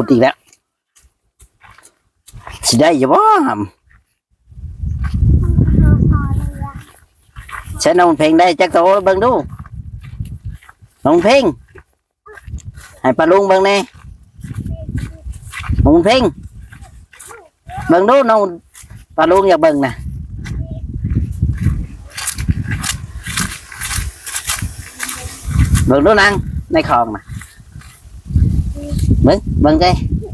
อีกแล้วสิได้อย่าบ่ใช้น้องเพลงได้จักโตเบิ่งดูน้องเพลงให้ปลาลุงเบิ่งแน่น้องเพลงเบิ่งดูน้องปลาลุงอยากเบิ่งนะเบิ่งดูนางในคลองนะเบิ่งใจ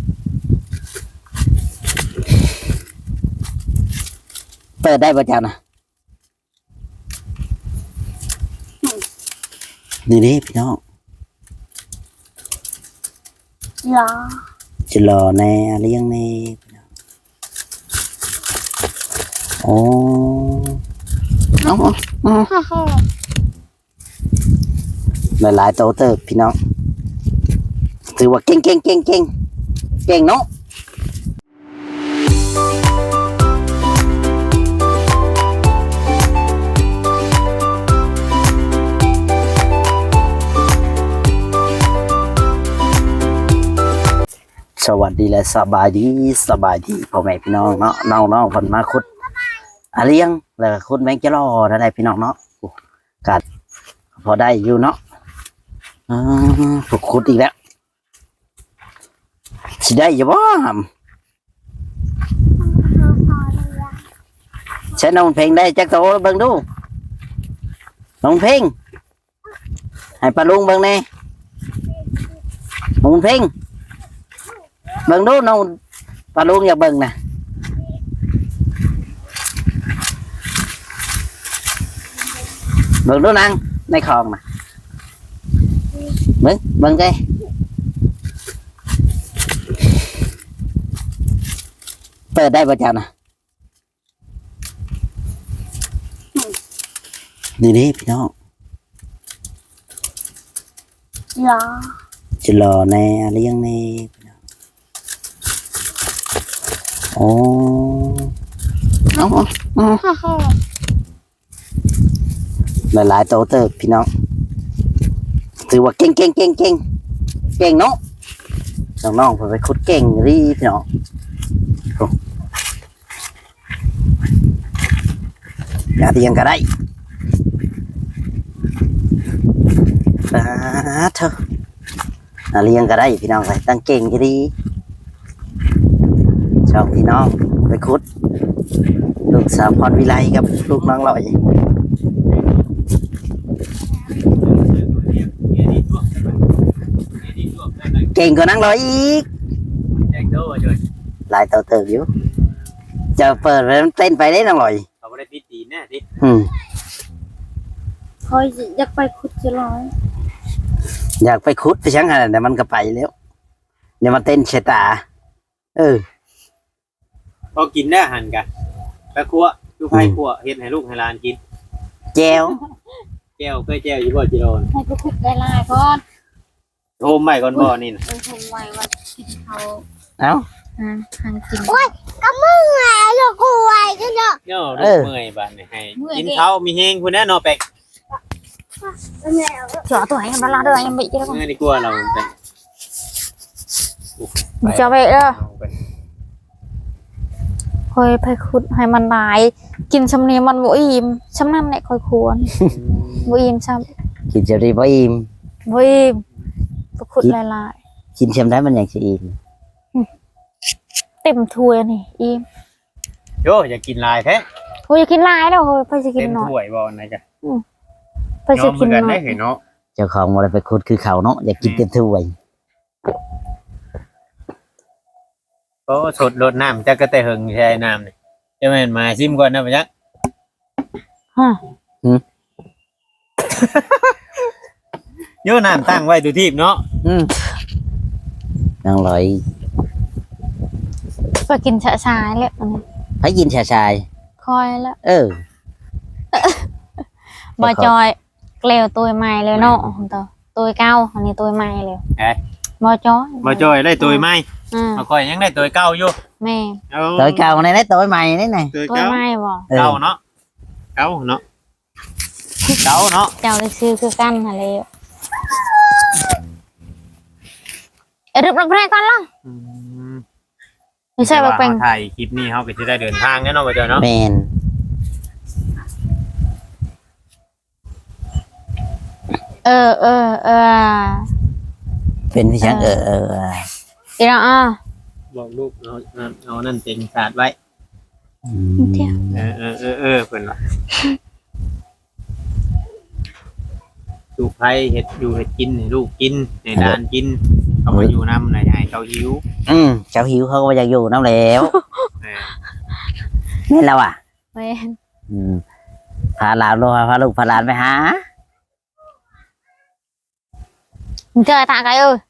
เปิดได้ป่ะจ๊ะนะนี่ดิพี่น้องรอจะรอแน่เลี้ยงแน่โอ้หลายๆโตเติบพี่น้องถือว่าเก่งเนาะสวัสดีและสบายดีพ่อแม่พี่น้องเนาะน้องคนมาคุดเลี้ยงแล้วคุดแมงจะรอได้พี่น้องเนาะกัดพอได้อยู่เนาะถูกคุดอีกแล้วสิได้อย่าบ่ใช้น้องเพลงได้จักโตเบิ่งดูน้องเพลงให้ปลาลุงเบิ่งแน่น้องเพลงเบิ่งดูน้องปลาลุงอยากเบิ่งนะเบิ่งดูนางในคลองนะเบิ่งใจเปิดได้ป่ะจ๊ะนะนี่ดิพี่น้องรอจะรอแน่เลี้ยงแน่โอ้หลายๆโตเติบพี่น้องถือว่าเก่งเนาะน้องๆไปคุดเก่งรีพี่น้องอย่าเตียงก็ได้เถอะเลี้ยงก็ได้พี่น้องไปตั้งเก่งก็ดีชอบพี่น้องไปคุดลูกสาวพรวิไลกับลูกน้องลอยเก่งกว่านั่งลอยอีกหลายตัวเติบอยู่จะเปิดเต้นไปได้นั่งลอยเขาไม่ได้ปิดตีนแน่ดิคอยอยากไปขุดจะร้อยอยากไปคุดไปช่างอะไรแต่มันก็ไปแล้วเดี๋ยวมาเต้นเชตาพอกินได้หันกันไปคั่วลูกไผ่คั่วเฮ็ดให้ลูกให้หลานกินแจวเคยแจวอยู่บ่จิโรนให้ไปขุดได้ลายก่อนโฮมใหม่ก่อนบ่นี่นะโฮมใหม่ว่ากินเขาเอ้าทางกินโอ้ยก็มึงไงลูกกูไว้กันเนาะเนาะลูกเมื่อยบ้านนี่ให้กินข้าวมีแฮงพุ่นแน่เนาะเป็กเจาะตัวให้มันละเด้อยังbị chứ không nghe đi qua nào cho vậy đó thôi phải khut hayมันหลายกินชำเนียมันบ่อิ่มชำนั้นแหละค่อยควรบ่อิ่มซ้ำกินจะได้บ่อิ่มขุดหลายๆกินชำได้มันอย่างสิอิ่มเต็มถ้วยนี่อิ่มโยอยากกินลายแท้โอ้ยอยากกินหลายแล้วเฮ้ยไปสิกินหน่อยเต็มถ้วยบ่ไหนจ้ะไปสิกินหน่อยเนาะเจ้าของอะไรไปคุดคือเขาเนาะอยากกินเต็มถ้วยโอ้สดรดน้ำจะกระเตะหึงใช่น้ำนี่จะแม่นมาซิมก่อนนะปะยักโยน้ำตั้งไว้ดูทีบเนาะนั่งลอยไปกินชาชายแล้วให้กินชาชายคอยแล้วบ่จอยเกลียวตัวใหม่เลยเนาะตัวเก่าอันนี้ตัวใหม่เลยบ่จอยได้ตัวใหม่มาคอยยังได้ตัวเก่าอยู่แม่ตัวเก่าในได้ตัวใหม่นี่ไงตัวใหม่บ่เก่าเนาะเก่าเนาะเจ้าได้ซื้อคือกันอะไรเรียบร้อยก่อนล่ะอืมไม่ใช่ว่าเป็นถ่ายคลิปนี้เขาก็จะได้เดินทางแน่นอนว่าเจ้าเนาะแมนเออเป็นพี่ช่างอีละอ่ะบอกลูกเอานั่นเต็งศาสตร์ไว้เดี๋ยวเพิ่นว่าลูกไผเฮ็ดอยู่เฮ็ดกินให้ลูกกินให้หลานกินเขามาอยู่นำน่ะให้เขาหิวเจ้าหิวเขาก็อยากอยู่น้ำแล้วเออนี่แล้วอ่ะแม่นพาหลานลงพาลูกพาหลานไปหาเจอตาไกเอ้ย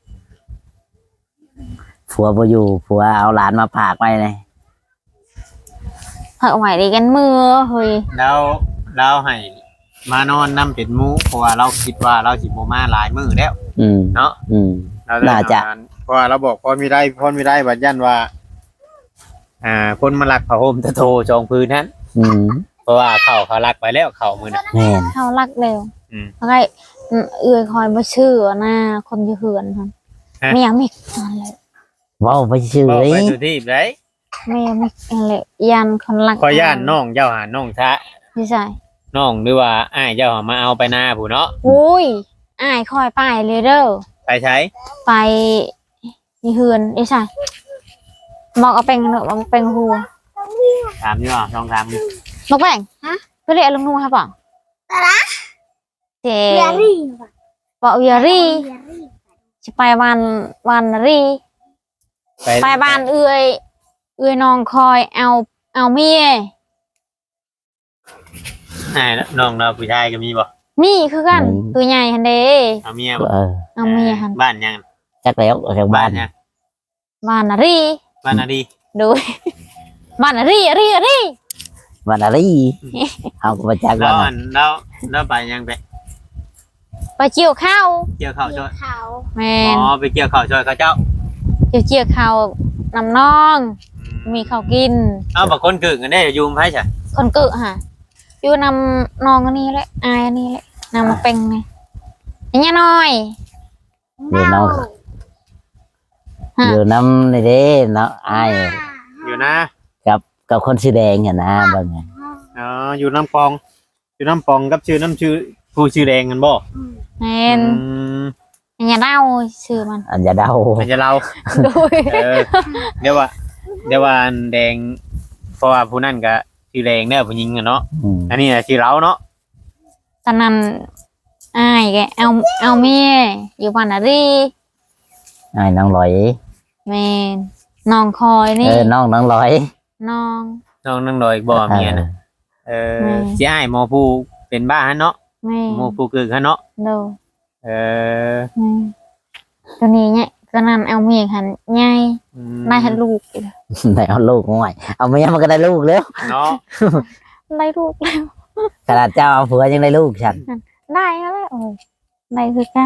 ผัวบ่อยู่ผัวเอาหลานมาฝากไว้เลยเฮ้ยไหวดีกันมือเฮ้ยแล้วให้มานอนนํเป็นหมู่เพราะว่าเราคิดว่าเราสิบ่มาหลายมื้อแล้ว เนาะ เราเลยน่าจะเพราะว่าเราบอกพรไม่ได้บัดยันว่า คนมาลักผ้าห่มตะโทจองพื้นนั้นเพราะว่าเขาลักไปแล้วเขามือน่ะแม่นเขารักเร็วอืมแล้วก็เอื้อยคอยมาชื่อหน้าคนจะเหือนครับฮะไม่อยากมิกอะไรเว้าไปชื่อบอกเลยไปสุทีบได้ไม่อยากมิกอะไรยันคนรักขอย่านน้องเจ้าหาน้องชะไม่ใช่น้องหรือว่าอ้ายเจ้าหามาเอาไปหน้าผู้เนาะอุ้ยอ้ายคอยไปเลยเด้อไปใช้ไปมีเหือนไม่ใช่บอกเอาเป็นเนอะบอกเป็นหัวถามอยู่อ่ะลองถามดูบอกแบ่งก็เรียกลุงนุ่งครับบอกเจบอกเวียรี่จะไปวันรี่ ไปบ้านเอื้อยน้องคอยเอาเมียน้องเราผู้ชายก็มีบ่มีคือกันตัวใหญ่ฮันเดเอาเมียบ่เอาเมียหันบ้านยังจักแล้วจากบ้านยังบ้านรีบ้านนาดีดูบ้านรีบ้านอะไรเอาก็มาจากแล้บ้าวน อันแล้วไปยังไปไปเกี่ยวข้าวเกี่ยวข้าวช่วยแมอ๋นอไปเกี่ยวข้าวช่วยเขาเจ้าเกี่ยวข้าวนำน้อง มีข้าวกินเอาบางคนกึ่งกันได้อยู่ไผใช่คนเกิดฮะอยู่นำน้องอันนี้แหละอายอันนี้แหละนำมาเป็นไงอันนี้น้อยเดี๋ยวน้องเดี๋ยวน้ำในเด้เนาะอ้ายอยู่นะกับคนสีแดงเห็นนะบางไงอ๋ออยู่น้ำปองกับชื่อผู้ชื่อแดงกันบ่แมนอันนี้เล่าชื่อมันอันจะเดามันจะเราด้วยเดี๋ยวว่าอันแดงเพราะว่าผู้นั่นก็ชื่อแดงเนี่ยผู้หญิงอะเนาะอันนี้น่ะชื่อเราเนาะตอนนั้นอายแกเอาเมียอยู่บ้านรีอ้ายน้องลอยแมนน้องคอยนี่น้องลอยน้องน้องนั่งรออีกบ่เมียน่ะสิอ้ายหมอผู้เป็นบ้าฮะเนาะแม่หมอผู้กึ่งฮะเนาะดูเออตัวนี้เนี่ยตอนนั้นเอาเมียหันใหญ่ได้หันลูกอีกไหนเอาลูกง่อยเอาเมียมันก็ได้ลูกแล้วเนาะได้ลูกแล้วขนาดเจ้าเอาผัวยังได้ลูกฉันได้แล้วโอ้ยได้คือเก้า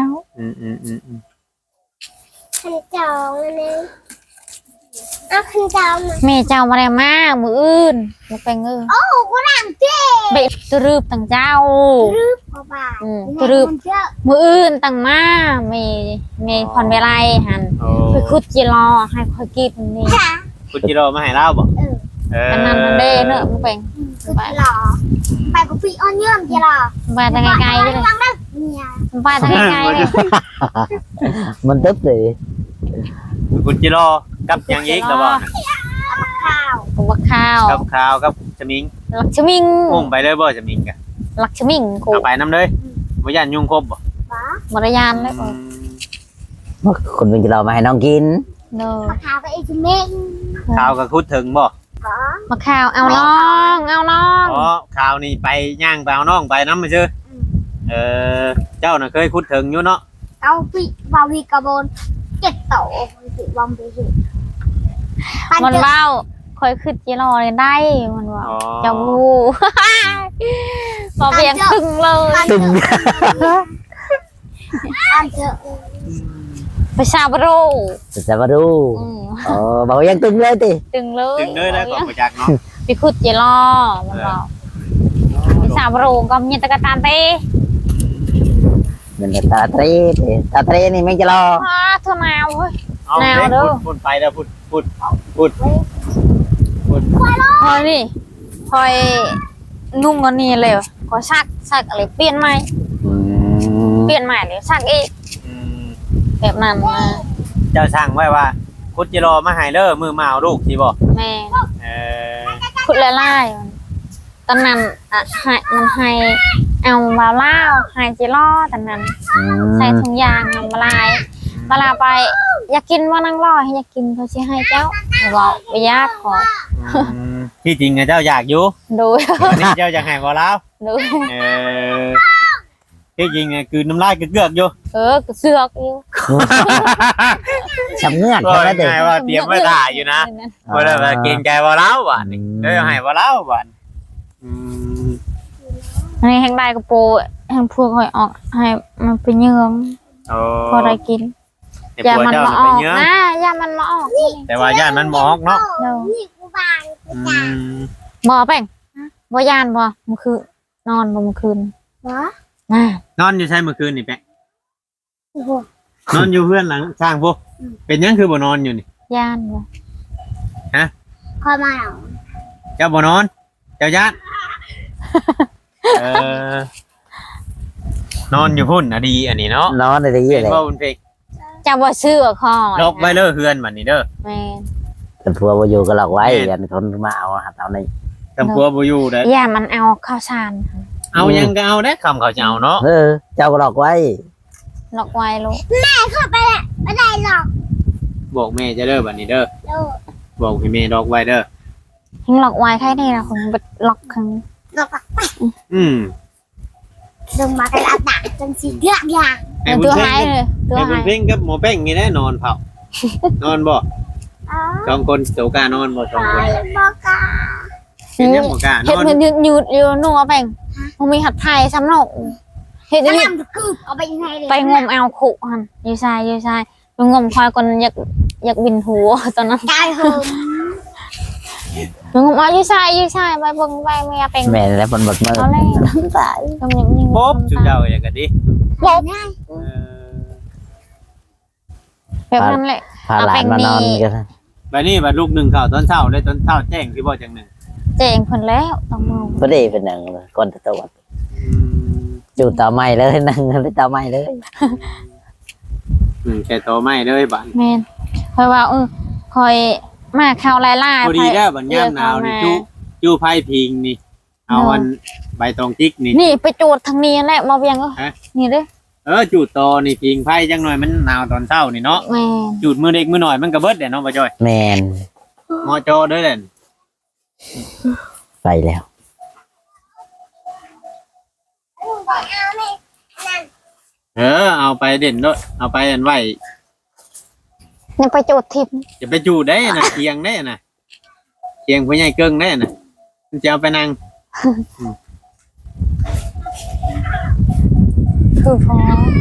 ขันจองอันนึงเอาขันจองมาแม่เจ้ามาได้มามืออื่นมาเป็นเออโอ้กูรังเจ๊เบ็ดตรึบตั้งเจ้ากว่าบาทตรึบเจ้ามืออื่นตั้งมาเมย์คอนเวไลหันโอ้ไปคุดจีรอให้คอยกินนี่ค่ะคุณจิโร่มาให้เล่าบ่อันนั้นมันเด้เนอะมันเป็นคือจะหล่อไปกับพี่อ้อนเยื่อมจะหล่อไปทางไกลๆเลยฟังได้เนี่ยไปทางไกลๆเลยมันตึ๊บเลยคุณจิโร่กับยังอีกแล้วบ่ข้าวบักข้าวกับข้าวกับชมิงลักชมิงอุ้มไปเลยบ่ชมิงกะลักชมิงกูเอาไปน้ำเลยบ่ยันยุงครบบ่บ้ามารยานเลยโอ้ยคนเป็นเรามาให้น้องกินเนอะข้าวกับไอ้ชิเมงข้าวก็คุดถึงบ่ก็มาข้าวเอาน้องเอาน้องอ๋อข้าวนี่ไปย่างไปเอาน้องไปน้ำมาซื่อเจ้าน่ะเคยคุดถึงอยู่เนาะเอาพี่บาวีกระโบน7 โตสิบอมไปสิมันเบ้าคอยขึ้นจีรอเลยได้มันว่าอ๋อจะบูพอเพียงครึ่งเลยตึงอันเจอไปชาบโรจะมาดูอืมบอกยังตึงเลยติตึงเลยถึงเลยแล้วก็มาจากเนาะไปขุดจีรอมันบอกไปชาบโรก็มีตะกะตานเต้เป็นตาเตรนี่ไม่จะรอฮ่าเท่านาเว้ยเอาแนวเด็กเด้อพูดไปแล้วพูดพอยนี่พอยนุ่งอันนี้เลยก็ซักอะไรเปลี่ยนใหม่อืมเปลี่ยนใหม่เลยซักอีกอืมแบบนั้นนะเจ้าสั่งไว้ว่าคุดจิรอมาให้เด้อมือมาเอาลูกสิบ่แม่เออพูดละลายตอนนั้นให้มันให้เอามาเล่าให้จิล่อตอนนั้น ใส่ถุงยางเอามาลายมาลาไป อยากกินว่านั่งรอให้อยากกินเขาสิให้เจ้าบอกไปยากขอที่จริงอะเจ้าอยากอยู่ดูวันนี้เจ้าอยากให้บ่แล้วดูเออที่จริงอะคือน้ำลายเกือกๆอยู่ก็เสือกอยู่สำเงือกก็ใช่ไหมเด็กง่ายว่าเตรียมไว้ถ่ายอยู่นะบ่ได้ว่าเกรงใจบ่แล้วบ่นี่เด้อให้บ่แล้วบ่อืมอันนี้แห้งได้กระโปรงแห้งพวกหอยออกให้มันเป็นเยืองโอ้พอได้กินแต่อย่าผัวมันเจ้ามาน่ะอเป็อน กเยอะนะอย่ามันมาออกแต่ว่าย่านมันหมอกเนาะเดี๋ยวนี่กูบางอืมบ่แป้งบ่ยานบ่เมื่อคืนนอนบ่เมื่อคืนเหรอน่ะนอนอยู่ใช่เมื่อคืนนี่แปะโอ้โหนอนอยู่เพื่อนหลังสร้างพวกเป็นหยังคือบ่นอนอยู่นี่ยานบ่คอยมาเหรอเจ้าบ่นอน เจ้าญาติเออนอนอยู่พุ่นอะดีอันนี้เนาะนอนได้ยี่เป็นเลยว่าบุญเพกจะบ่ซื้อคอลกไว้เด้อเฮือนบัดนี้เด้อแม่นแต่พัวบ่อยู่ก็หลอกไว้อันคนมาเอาหัดเอาในตำพัวบ่อยู่เด้ออย่ามันเอาข้าวสารเอายังก็เอาเด้อคำเขาจะเอาเนาะเจ้าก็หลอกไว้ล็อกไว้ลูกเข้าไปแหละไม่ได้หรอกบอกแม่จะเด้อบัดนี้เด้อโลกบอกให้แม่ลอกไว้เด้อทิ้งล็อกไว้แค่นี้นะคุณล็อกครั้งโลกปักอืมลงมาเป็นอาตาจนสีเลือกอย่างให้บุญตัวเพ่หายงเลยตัวให้บุหาญยเพ่งกับหมอแป้งนี่แน่นอนเผา นอนบ่อ๋อสองคนโสกานอนบ่สองคนบอกกาเป็นยังบ่กล้านเห็ดอนมันยืดอยู่นัวแป่งมันมีหัดไทยซ้ำหนกเห็ดแล้วนี่นำกึบเอาไปยังไงเลยไปงมเอาขุหันยูชายไปงมควายก่อนอยากบินหัวตอนนั้นกายโฮมไปงมเอายูชายไปเบิ่งไปเมียเป็นแม่แล้วมันหมดมือเอาเลยตายทำอย่างนี้ป๊บจุดเจ้าอย่างกันดิป๊บง่ายเออแบบนั้นแหละพาหลานมานอนกันบัดนี้บัดลูกหนึ่งเข้าตอนเช้าได้ตอนเช้าแจ้งที่บ่จังหนึ่งเจ๋งเพิ่นแล้วต้องมือพอดีเป็นหนังเลยก่อนจะตรวจอยู่ต่อไม้เลยนั่งเลยต่อไม้เลยแค่โตไม่เลยบัดแม่นคอยว่าคอยมาข่าวไล่ๆพอดีแล้วบัดย่ามหนาวนี่จูไผ่พิงนี่ เอาอันใบตองจิกนี่นี่ไปจูดทางนี้แหละมาเวียงนี่เด้อจูดโตนี่พิงไผ่จังหน่อยมันหนาวตอนเช้านี่เนาะแม่นจูดมือเด็กมือหน่อยมันก็เบิดเด้เนาะบ่จ้อยแมนมอจอเด้อเด่นไปแล้วเอาไปเด่นด้วยเอาไปอันไว้นี่ไปจูดทิพย์จะไปจูดได้น่ะเคียงได้น่ะเคียงผู้ใหญ่เกิ้งได้น่ะมันจะเอาไปนั่งคือพอ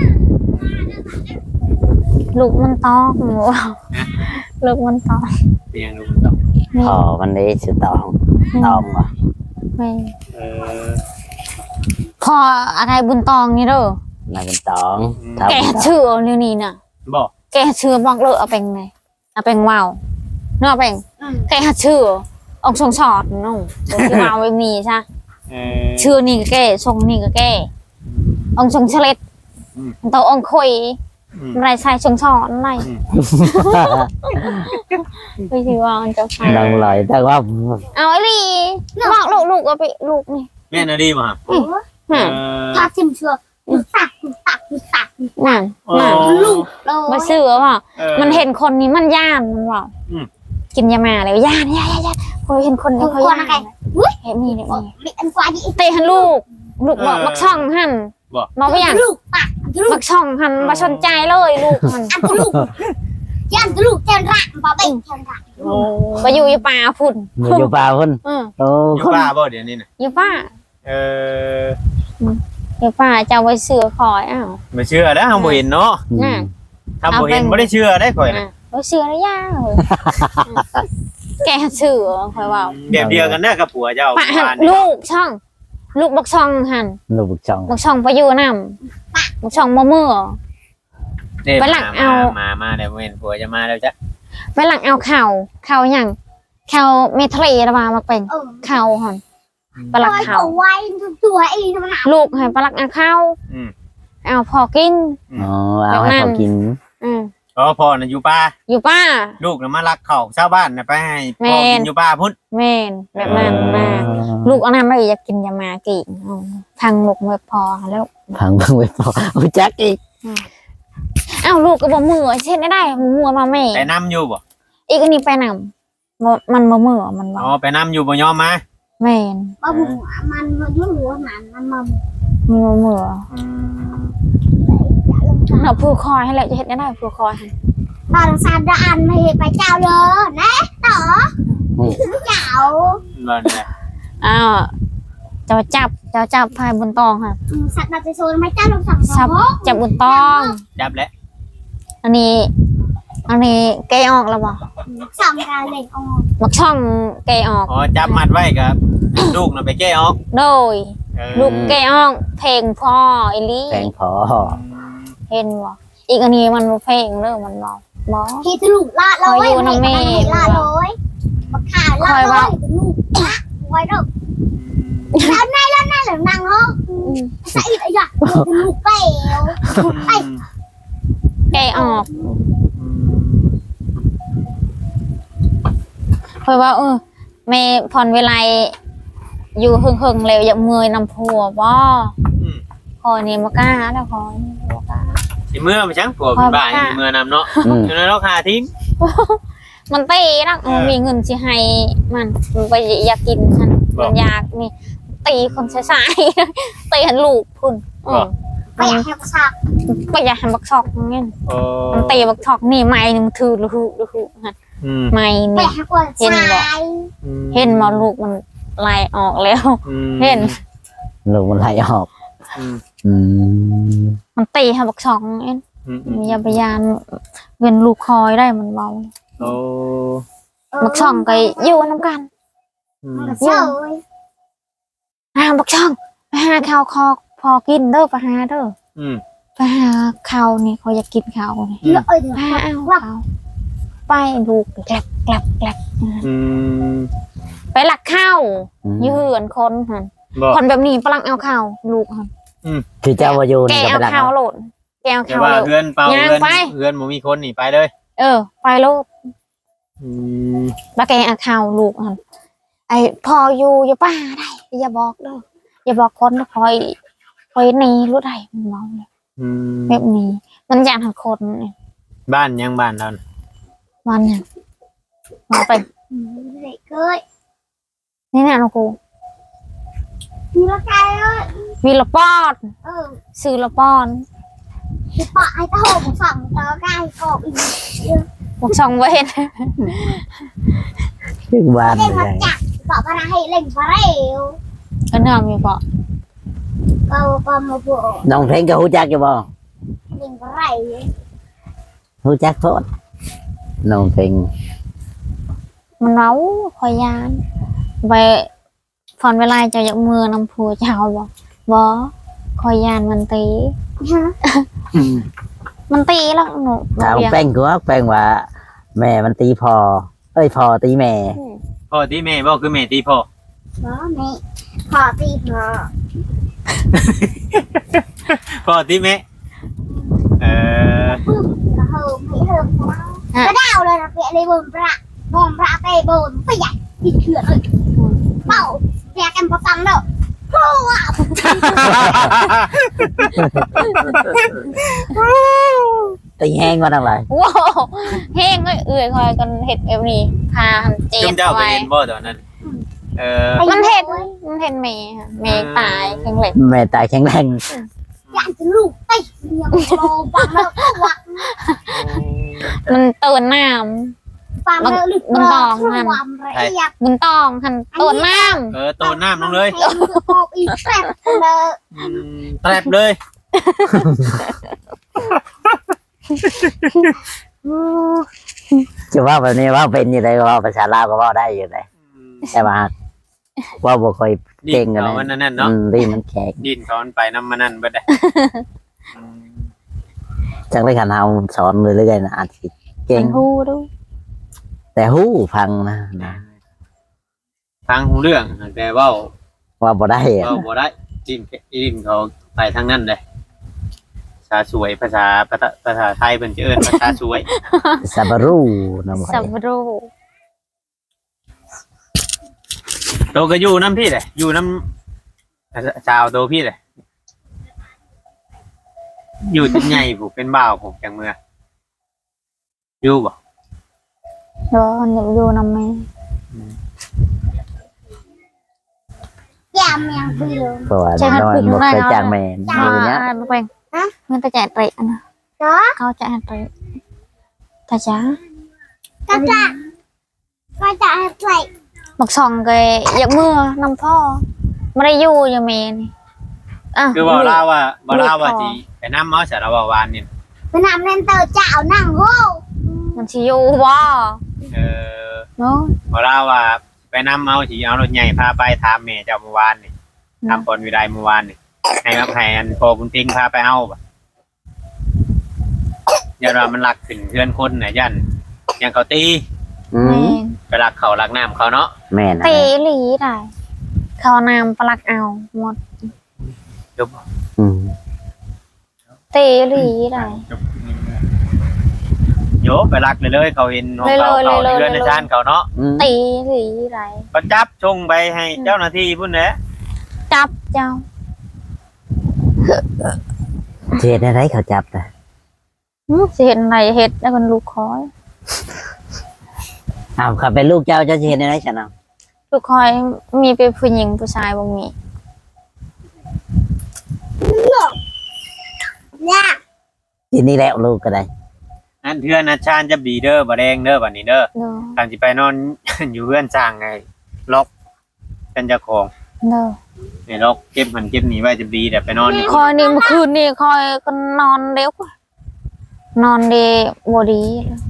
ลูกมันตอกหมูลูกมันตอกเคียงดูมันต้องพอมันได้สุดตองว่ะไม่เออพออะไรบุญตองนี่เด้อมาเป็นตองแกชื่อเรื่องนี้น่ะบอกแกชื่อบอกเลยเอาเป็นไงเอาเป็นว่าวเนาะเป็นแกชื่อองค์ทรงชอดนู่นที่ว่าวไม่มีใช่เออชื่อนี่ก็แกทรงนี่ก็แกองค์ทรงเฉลดตัวองค์คุยอะไรใส่ทรงชอดอะไรไปที่ว่ามันจะใส่ลองลอยแต่ว่าเอาไอ้ลีบอกลูกเอาไปลูกนี่แม่น่ะดีป่ะถ้าซิมเชื่อตักนั่นลูกโลมาซื้อเปล่ามันเห็นคนนี้มันย่านมันบอกกินยามาแล้วย่านพอเห็นคนนี้เขาย่านเห็นนี่เนี่ยอันกว่านี้เตะหันลูกบอกบักช่องหันบอกว่าอย่างลูกตักลูกบักช่องหันมาสนใจเลยลูกมันอันลูกยันลูกเจนรักบ่เป็นเจนรักไปอยู่ป่าฝุ่นอยู่ป่าพุ่นโอ้อยู่ป้าบ่เดี๋ยวนี้น่ะอยู่ป่าเอออยู่ป่าจะเอาไปเสือคอยอ้าวไม่เชื่อแล้วทำบ่เห็นเนาะน่ะทำบ่เห็นบ่ได้เชื่อได้ข่อยนะไปเสือแล้วย่าเลยแกเสือคอยว่าแบบเดียวกันเด้อกับผัวเจ้าป่าหันลูกช่อง ลูกบักช่องหันลูกบุกช่องบักช่องไปอยู่น้ำบักช่องมะเมื่อเด้ไปหลังเอามาเดี๋ยวเห็นผัวจะมาแล้วจ้ะไปหลังเอาเข่าอย่างเข่าเมทะเลระบามาเป็นเข่าหอนไปหลักเข่าไว้ตัวเองมันหาลูกให้ไปหลักเอาเข่าอืมเอาพอกินอ๋อเอาให้เขากินอืมอ๋อพ่อน่ะอยู่ป่าอยู่ป้าลูกน่ะมาลักข้าวชาวบ้านน่ะไปให้พ่อกินอยู่ป่าพุ่นแม่นแบบนั้นมาลูกเอาน้ำไม่อยากกินยามากินทางลูกไม่พอแล้วพังเพิ่งไปพอรู้จักอีกอ้าวลูกก็บอกมือเช่นได้มือมาแม่ไปนํอยู่บ่อีกอันนี้ไปนำมันบ่มือมันบอกอ๋อไปนํอยู่บ่ยอมมาแม่นว่าหัวมันยุ่งหัวมันมันมีบ่มืออืมเนาะผู้คอยให้แล้วจะเฮ็ดได้ผู้คอยตอนซาดานไม่ไปเจ้าเลยนะต่อเจ้าบ่เนี่ยอ้าวจะจับพายบนตองค่ะสัตว์จะโซนไม่เจ้าลงสั่งจับบนตองจับแล้วอันนี้แกะออกแล้วบ่สั่งการเล่นออนมักช่องแกะออกอ๋อจับมัดไว้กับ ลูกน่ะไปแก้ออกโดยเออลูกแกะออกเพลงพ่ออีหลีแพงพอเห็นบ่อีกอันนี้มันบ่เพลงเด้อมันบ่บ่ที่ตลุกลาดเราไว้ลาดเลยบักขาลาดเลยตลุกไว้ด้วยแล้วนายหรือนั่งเนาะใส่อีกอย่างตลุกเป๋วแกะออกเพราะว่าแม่พรเวลาอยู่หึงๆแล้วอยากเมื่อยนำผัวบ่คอยนี่บ่กล้าแล้วคอยนี่บ่กล้าสิเมื่อไปจังผัวเป็นบ้าสิเมื่อนำเนาะอืมอยู่ในราคาทิ้งมันตีนักมีเงินสิให้มันไปอยากกินฉันมันอยากนี่ตีคนใช้ๆตีหันลูกพุ่นไปอยากให้สักไปอยากหันบักชอกเงี้ยโอ้มันตีบักชอกนี่ไม้นึงถือลูกฮะอืมไม้ไปนี่ให้กวนชายเห็นมาลูกมันไล่ออกแล้ว เห็นลูกมันไหลออกอืมอืมมันตีหันบักชอกเงี้ยอืมมียาพยานเงินลูกคอยได้มันเบาโอ้บักช่องก็อยู่น้ำกันอืมเจ้าบักช่องไปหาข้าวคอพอกินเด้อไปหาเด้ออืมไปหาข้าวนี่เขาอยากกินข้าวนี่เยอะเอ้ยไปหาเอาข้าวไปลูกแกลบอืมไปหลักข้าวยืนคนหันบ่คนแบบนี้ปลังเอาข้าวลูกหันคือเจ้าวายูแกนี่ก็เอาไปรักข้าวเอาโหลดแกเอาแต่ข้าวว่าโหลดเพื่อนเปล่าย่างเพื่อนไปเพื่อนบ่มีคนนี่ไปเลยไปโลดอืมแล้วแกเอาข้าวลูกหันไอพออยู่อย่าป้าได้อย่าบอกเด้ออย่าบอกคนนะคอยนี่รู้ได้มันเมาเลยอืมแบบนี้มันอยากหันคนเนี่ยบ้านยังบ้านเราน่ะมันเนี่ยมาไปเด็กเอ้ยนี่แน่นะกูมีละกายเอ้ยวีละปอน ซื้อละปอนที่ปะไอ้ตะโหงสั่งตะกายกอบอีกบอกช่องเว้นชื่อบ้านเล่นเลมาย จักปะปะนะให้เล่นปะเร็วก็เนื่อมีปะก็มาบอกน้องเพลงก็รู้จักอยู่บ่เล่นปะเร็วรู้จักโทษน้องเพลงมันเมาคอยยานไปฟอนเวลาจะอยากมือนำผัวเจ้าบ่คอยยานมันตี มันตีแล้วหนูถามแป้งก็แป้งว่า แม่มันตีพอพอตีแม่พ่อตีแม่บ่คือแม่ตีพ่อไม่พอตีพอพ่อตีแม่เออก็เฮิมให้เฮิมก็ดาวเลยนะเปียเลยบนประเตบนไปใหญ่ติดเถื่อนเลยเป่าเปียกันประจำแล้วโอ้ว้าวตีแห้งมาทั้งหลายว้าวแห้งเลยเอื่อยคอยกันเห็ดแบบนี้พาหันเจ็จุ่บมเจ้าไปไว้เห็นบ่ตอนนั้น เออมันเห็นเมย์ค่ะเมย์ตายแข็งเหล็กแม่ตายแข็งแรงอยากจะลูกไปเลี้ยงโลปังแล้วก็วักมันตื่นน้ปังแล้วลึกความละเอียดำมันต้องหันตื่นน้เออโตนน้ำลงเลยให้คือพออีกแซ่บเลยแตรบเลยจะว่าแบบนี้ว่าเป็นยังไงว่าภาษาลาวก็ว่าได้อยู่เลยแต่ว่าว่าบ่ค่อยดิเก่งนกันเขานะมันนั่นน่ะเนาะดีมันแข็งดินเขามันไปน้ำมันนั่นเบิดได้ำจังได้ขันเฮาสอนเรื่อยๆนะอาจสิเก่งมันฮู้ดูแต่ฮู้ฟังนะทางหูเรื่องแต่เว่าว่าบ่ได้อะเว่าบ่ได้จิ้มเขาไปทางนั้นเลยภาษาสวยภาษาไทยเป็นจะเอิ้นภาษาสวยซาบารูนะบ่สับรูโตก็อยู่น้ำพี่เลยอยู่น้ำชาวโตพี่เลยอยู่ที่ใหญ่ผมเป็นบ่าวผมจังเมื่ออยู่บ่เดี๋ยวอยู่นำแม่ยามยังเปลี่ยวเพราะว่าน้อยบ่เคยจ้างแม่นอยู่เนี้ยลูกเองเงินตาจ่ายเตะนะเนาะเขาจ่ายเตะตาจ๋าก็จะใส่บักซองก็อยากมือนำพ่อไม่ได้อยู่อยู่แม่นี่อ่ะคือว่าเล่าว่าจีไปน้ำเมาสารวาวานนี่ไปนำเล่นเตอเจ้านั่งโง่มันสิอยู่บ่เออเนาะว่าเล่าว่าไปน้ำเมาจีเอารถใหญ่พาไปถามแม่เจ้าเมื่อวานนี่ทำคนวิไลเมื่อวานนี่ให้รับให้อันพอคุณพิงพาไปเอาบ่ยันว่ามันหลักขึ้นเพื่อนคนน่ะยันยังเขาตีอืแม่มไปหลักเขาหลักน้ำเขาเนาะแม่นตีหลีได้เขานำปลักเอาหมดจบอืมตีหลีได้โยไปหลักเลยเขาเห็นของเขาเขาเพื่อนในชานเขาเนาะอืมตีหลีได้ก็จับชงไปให้เจ้าหน้าที่พุ่นแหละจับเจ้าเฮ็ดได้เขาจับน่ะสิเห็นอะไรเห็ดแล้วมันลูกคอยอ้าวเขาเป็นลูกเจ้าเจ้าสิเฮ็ดได้ฉันเอาลูกคอยมีเป็นผู้หญิงผู้ชายบ่มียากทีนี้แล้วลูกก็ได้อันเพื่อนอาชานจะบีเด้อบ่แดงเด้อบัดนี้เด้อเด้อการสิไปนอน อยู่เพื่อนสร้างไงล็อกเป็นเจ้าของเด้อในล็อกเก็บหันเก็บหนีไว้จะบีแต่ไปนอนนี่คอยนี่เมื่อคืนนี่คอยก็นอนเร็วกว่านอนเดบ่ดี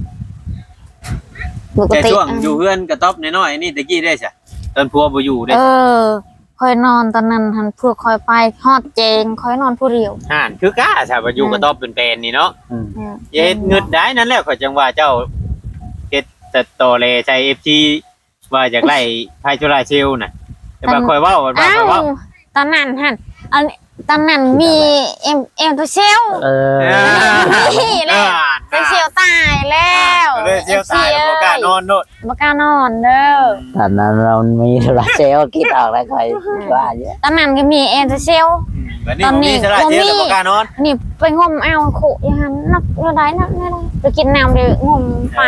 ปกแต่ติช่วงอยู่เพื่อนกระต๊อบน้อยๆนี่ตะกี้ได้จ้ะตอนพัวบ่อยู่ได้คอยนอนตอนนั้นหันพวกคอยไปฮอดเจงคอยนอนผู้เดียวห่านคือกล้าถ้าบ่อยู่กระต๊อบเป็นๆนี่เนาะอืมเย็ดเงึดได้นั่นแหละข่อยจังว่าเจ้าเฮ็ดแต่โตเลใช้ FG ว่าอยากไล่ไพจุราเชลน่ะแต่ว่าข่อยเว้าว่าอ้าข่อยว เว้าตอนนั้นหันอันตอนนั้นมีเอ็มตัวเชลเออนี่แหละตัวเชลตายแล้วเลยเชลตายบ่กล้านอนโนดบ่กล้านอนเด้อตอนนั้นเรามีธุระเซลลคิดออกแล้วค่อยว่าเยอะตอนนั้นก็มีเอ็มตัวเชลบัดนี้บ่มีสระเชลบ่กล้านอนนี่ไปงมเอาโขอย่างนั้นนักอะไรนักอะไรไปกินน้ำไปงมไป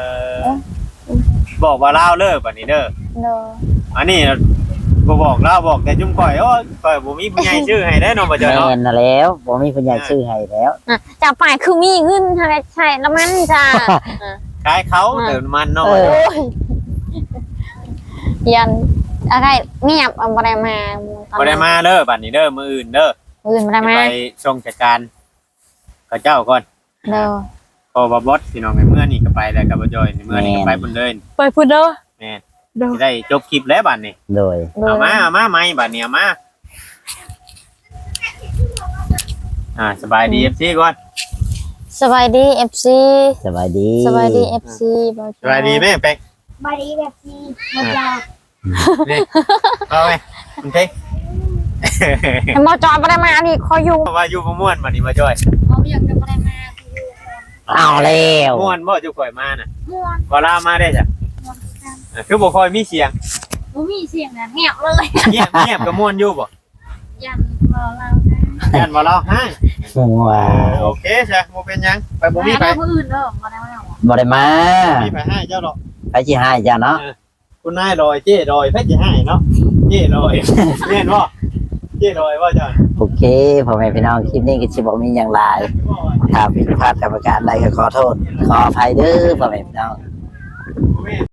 บอกว่าเล่าเลิกบัดนี้เด้อเด้ออันนี้บ่บอกเล่าบอกแต่จุ่มก่อยโอ้ยก่อยบ่มีผู้ใหญ่ชื่อให้ได้เนาะบ่เจ้าแม่เนาะนน่ะแล้วผมมีปัญญาชื่อให้แล้วจะไปคือมีเงินอะไรใช่แล้วมันจ้าขายเขาเติมมันเนาะเออโอ้ยยันอะไรเงียบเอาบ่ได้มาบ่ได้มาเด้อบัดนี้เด้อมื้ออื่นเด้ออื่นบ่ได้มาไปส่งจัดการกับเจ้าก่อนเด้อพอบ่บดพี่น้องในเมื่อนี่ก็ไปแล้วกับบ่จอยในเมื่อนี่ก็ไปพุ่นเลยไปพูดเด้อแม่นเด้อสิได้จบคลิปแล้วบัดนี้โดยเอามาไหมบัดนี้เอามาสบายดี FC ก่อนสบายดี FC สบายดีสบายดี FC สบายดีแม่เป็กบารีแบบนี้มันจะนี่เอาไว้คุณเพ็กหมอจอยบ่ได้มานี่คอยอยู่ว่าอยู่บ่ม่วนบัดนี้บ่จอยเขาอยากจะบ่ได้มาเอาแล้วม่วนบ่จุข่อยมาน่ะม่วนบ่ลามาได้จ้ะคือบ่ค่อยมีเสียงบ่มีเสียงนะเงียบเลยเงียบก็ม่วนอยู่บ่ยันบ่เรายันบ่เล่าให้ว้าโอเคจ้ะบ่เป็นหยังไปบ่มีไปผู้อื่นเด้อบ่ได้มาบ่ได้มามีไปให้เจ้าดอกไปสิให้เจ้าเนาะคุณนายลอยเจ้ลอยเพิ่นสิให้เนาะเจ้ลอยแม่นบ่เจ้ลอยว่าจ้ะโอเคพ่อแม่พี่น้องคลิปนี้ก็สิบ่มีหยังหลายถ้าผิดพลาดกรรมการใดก็ขอโทษขออภัยเด้อพ่อแม่พี่น้อง